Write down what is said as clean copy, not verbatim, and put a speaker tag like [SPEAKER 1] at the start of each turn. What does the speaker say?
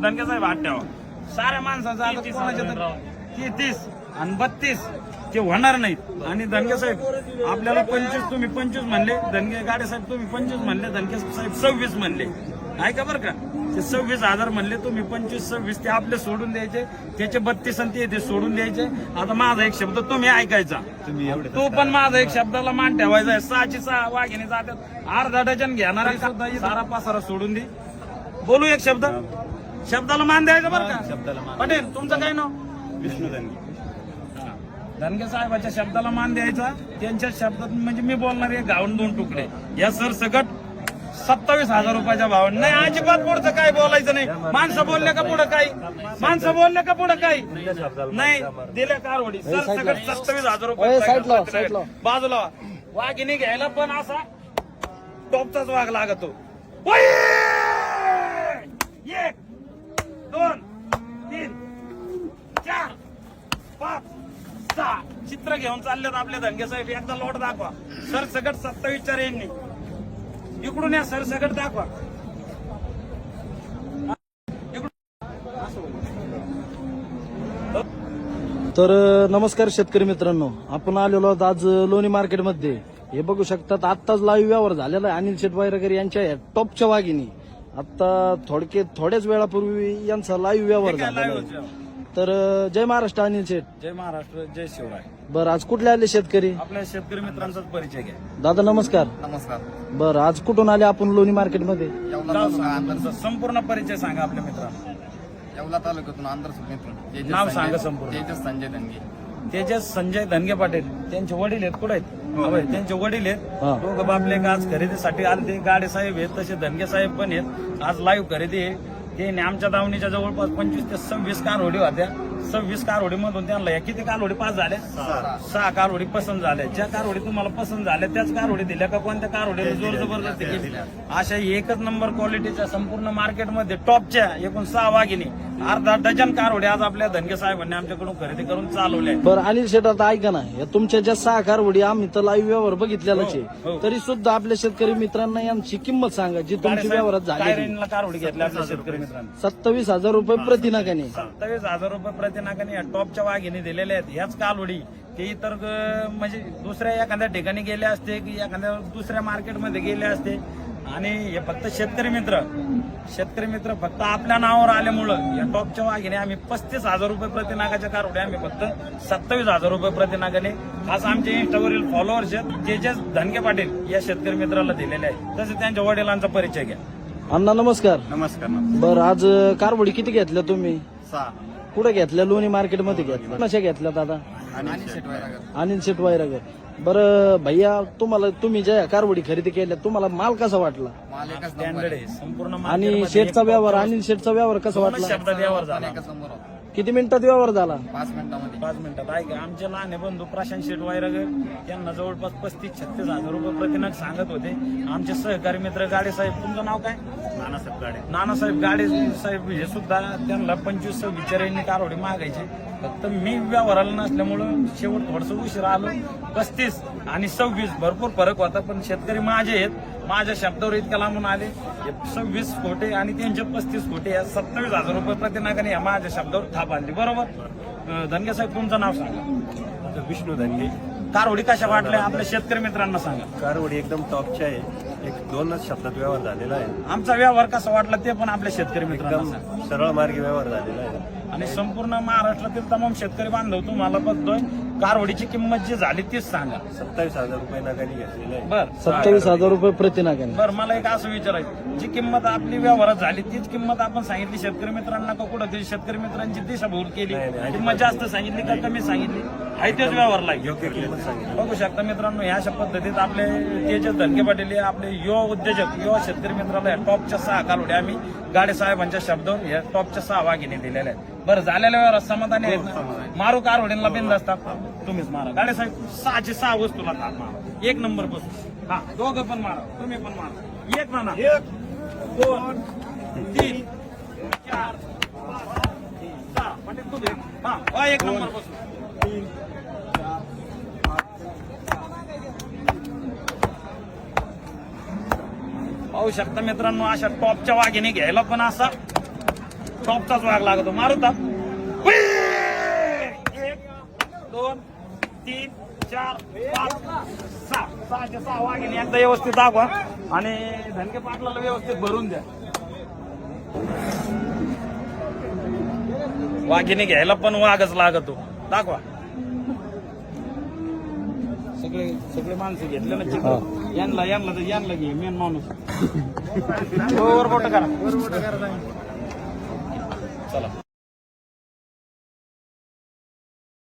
[SPEAKER 1] धनगे साहेब हात ठेवा. साऱ्या माणसाचा आता कोणाच्या तर 30 आणि 32 ते होणार नाहीत. आणि धनगे साहेब आपल्याला 25 तुम्ही 25 म्हणले, धनगे गाडे साहेब तुम्ही 25 म्हणले, धनगे साहेब 26 म्हणले. ऐका बरं का, ते 26,000 म्हणले, तुम्ही 25-26 ते आपले सोडून द्यायचे, त्याचे 32 आणि ते सोडून द्यायचे. आता माझा एक शब्द तुम्ही ऐकायचा, तो पण माझा एक शब्दाला मान ठेवायचा आहे. 6ची 6 वाघिणी जातात, अर्धा डझन घेणारा सुद्धा सारा पासारा सोडून दे. बोलू एक शब्द, शब्दाला मान द्यायचा बरं का. पटेल तुमचं काय नाव?
[SPEAKER 2] विष्णू धनगे.
[SPEAKER 1] धनगे साहेबाच्या शब्दाला मान द्यायचा. त्यांच्या शब्दात म्हणजे मी बोलणार आहे गावून 2 तुकडे. या सरसकट 27,000 रुपयाच्या भावाने. नाही अजिबात पुढचं काय बोलायचं नाही. माणसं बोलले का पुढं काही, माणसं बोलले का पुढं काही नाही. दिल्या कारवडी सरसकट 27,000 रुपये बाजूला. वाघिणी घ्यायला पण असा टॉपचाच वाघ लागतो. 1 2 3 4 5 6 चित्र घेऊन चाललेत आपले धनगे साहेब. एकदा लोट दाखवा. सरसकट 27च्या रेंजनी इकडून या. सरसकट दाखवा.
[SPEAKER 3] तर नमस्कार शेतकरी मित्रांनो, आपण आलेलो आहोत आज लोणी मार्केटमध्ये. हे बघू शकतात आत्ताच लाईव्ह व्यवहार झालेला आहे अनिल शेठ वायरकर यांच्या टॉपच्या वाघिणी. आता थोड्याच वेळापूर्वी यांचा लाईव्ह व्यवहार झालेला आहे. तर जय महाराष्ट्र अनिल शेठ.
[SPEAKER 1] जय महाराष्ट्र, जय शिवराय.
[SPEAKER 3] बरं, आज कुठले आले शेतकरी?
[SPEAKER 1] आपल्या शेतकरी मित्रांचाच परिचय घ्या.
[SPEAKER 3] दादा नमस्कार.
[SPEAKER 2] नमस्कार.
[SPEAKER 3] बरं, आज कुठून आले आपण लोणी मार्केटमध्ये?
[SPEAKER 1] संपूर्ण परिचय सांगा आपल्या मित्रांना.
[SPEAKER 2] येवला तालुक्यातून आंध्र मित्र.
[SPEAKER 1] नाव सांगा संपूर्ण.
[SPEAKER 2] तेजस संजय धनगे.
[SPEAKER 1] तेजस संजय धनगे पाटील. त्यांचे वडील आहेत कुठे आहेत? त्यांचे वडील आहेत. दोघं बापले आज खरेदीसाठी आले. ते गाडे साहेब आहेत, तसे धनगे साहेब पण आहेत. आज लाईव्ह खरेदी आहे. ते आमच्या दावणीच्या जवळपास 25 ते 26 कारवडी होत्या. 26 कारवडी मधून त्यांना या किती कारवडी पास झाल्या? 6 कारवडी पसंत झाल्या. ज्या कारवडी तुम्हाला पसंत झाल्या त्याच कारवडी दिल्या का कोणत्या कारवडीला जोर जबरदस्ती केली? अशा एकच नंबर क्वालिटीच्या संपूर्ण मार्केटमध्ये टॉपच्या एकूण 6 वाघिणी, अर्धा डझन कारवडी आज आपल्या धनगे साहेबांनी आमच्याकडून खरेदी करून चालवल्या.
[SPEAKER 3] बरं अनिल शेठ, आता ऐका ना, या तुमच्या ज्या 6 कारवडी आम्ही तर लाईव्ह व्यवहार बघितलेलाच आहे, तरी सुद्धा आपल्या शेतकरी मित्रांना यांची किंमत सांगा जी तुमची व्यवहारात झाली.
[SPEAKER 1] कारवडी घेतल्या आपल्या शेतकरी मित्रांनी
[SPEAKER 3] 27,000 रुपये प्रतिनाकाने.
[SPEAKER 1] 27,000 रुपये प्रतिनाकाने या टॉपच्या वाघिणी दिलेल्या आहेत. ह्याच कालवडी ते इतर म्हणजे दुसऱ्या एखाद्या ठिकाणी गेले असते की एखाद्या दुसऱ्या मार्केटमध्ये गेले असते. आणि हे फक्त शेतकरी मित्र फक्त आपल्या नावावर आल्यामुळं या टॉपच्या वाघिणी आम्ही 35,000 रुपये प्रतिनागाच्या कारवड्या आम्ही फक्त 27,000 रुपये प्रतिनागाने आज आमचे इंस्टावरील फॉलोअर्स आहेत तेजस धनगे पाटील या शेतकरी मित्राला दिलेले आहे. तसे त्यांच्या वडिलांचा परिचय घ्या.
[SPEAKER 3] अण्णा नमस्कार.
[SPEAKER 2] नमस्कार.
[SPEAKER 3] बरं, आज कारवडी किती घेतल्या तुम्ही?
[SPEAKER 2] 6.
[SPEAKER 3] कुठे घेतल्या? लोणी मार्केटमध्ये घेतल्या. कशा घेतल्या दादा? अनिल शेठ वायरकर. बरं भैया, तुम्ही ज्या कारवडी खरेदी केल्या तुम्हाला माल कसा वाटला?
[SPEAKER 1] स्टँडर्ड आहे संपूर्ण.
[SPEAKER 3] आणि शेठचा व्यवहार, अनिल शेठचा व्यवहार कसा वाटला?
[SPEAKER 1] शब्दात व्यवहार झाला.
[SPEAKER 3] किती मिनिटात व्यवहार झाला?
[SPEAKER 2] 5 मिनिटांमध्ये.
[SPEAKER 1] 5 मिनिटात. ऐका, आमचे लहान बंधू प्रशांत शेठ वायरगर यांना जवळपास 35-36,000 रुपये प्रतिनाग सांगत होते. आमचे सहकारी मित्र गाडे साहेब, तुमचं नाव काय? नानासाहेब गाडे साहेब हे सुद्धा त्यांना 25-26 यांनी कारवडी मागायचे. फक्त मी व्यवहाराला नसल्यामुळं शेवट थोडस उशीर आलो. 35 आणि 26 भरपूर फरक होता. पण शेतकरी माझे आहेत, माझ्या शब्दावर इतक्या लांबून आले. 26 कोटे आणि त्यांचे 35 कोटे या 27,000 रुपये प्रतिनागाने या माझ्या शब्दावर थाप आणली. बरोबर. धनगे साहेब तुमचं नाव सांगा.
[SPEAKER 4] विष्णू धनगे.
[SPEAKER 1] कारवडी कशा वाटल्या आपल्या शेतकरी मित्रांना सांगा.
[SPEAKER 4] कारवडी एकदम टॉपच्या आहे. 1-2च शब्दात व्यवहार झालेला आहे.
[SPEAKER 1] आमचा व्यवहार कसा वाटला ते पण आपल्या शेतकरी मित्रांना
[SPEAKER 4] एकदम
[SPEAKER 1] सांगा.
[SPEAKER 4] सरळ मार्गी व्यवहार झालेला आहे.
[SPEAKER 1] आणि संपूर्ण महाराष्ट्रातील तमाम शेतकरी बांधव तुम्हाला बघतोय. कारवडीची किंमत जी झाली तीच सांगा.
[SPEAKER 4] 27,000 रुपये नागाने घेतलेला आहे.
[SPEAKER 1] बर
[SPEAKER 3] 27,000 रुपये प्रतिनाकाने.
[SPEAKER 1] बरं, मला एक असं विचारायचं, जी किंमत आपली व्यवहारात झाली तीच किंमत आपण सांगितली शेतकरी मित्रांना का कुठं तरी शेतकरी मित्रांची दिशाभूल केली? किंमत जास्त सांगितली का कमी सांगितली? आहे तेच व्यवहारला
[SPEAKER 4] योग्य किंमत सांगितली.
[SPEAKER 1] बघू शकता मित्रांनो, ह्या अशा पद्धतीत आपले तेजस धनगे पाटील हे आपले युवा उद्योजक, युवा शेतकरी मित्राला या टॉपच्या 6 कारवड्या आम्ही गाडे साहेबांच्या शब्दावर या टॉपच्या 6 वाघिणी दिलेल्या आहेत. बरं, झालेल्या व्यवहारात समाधानी आहेत ना? मारू कारवडींना बिंद असतात. तुम्हीच मारा गाडे साहेब. 6ची 6 वस्तूला थाप मारा. 1 नंबर बसून. हा, दोघं पण मारा, तुम्ही पण मारा. 1 म्हणा. 1 2 3 4 5 6 पाटील तुम्ही. हा, 1 नंबर बसून. पाहू शकता मित्रांनो, अशा टॉपच्या वाघिणी घ्यायला पण असा टॉपचाच वाघ लागतो. मारू ताप. 1 2 3 4 5 6 6चे 6 वाघिणी एकदा व्यवस्थित दाखवा आणि धनगे पाटलाला व्यवस्थित भरून द्या. वाघिणी घ्यायला पण वाघच लागतो. दाखवा. सगळे सगळे माणसं घेतले ना चित्र. यांना घे मेन माणूस. वर बोट करा. चला.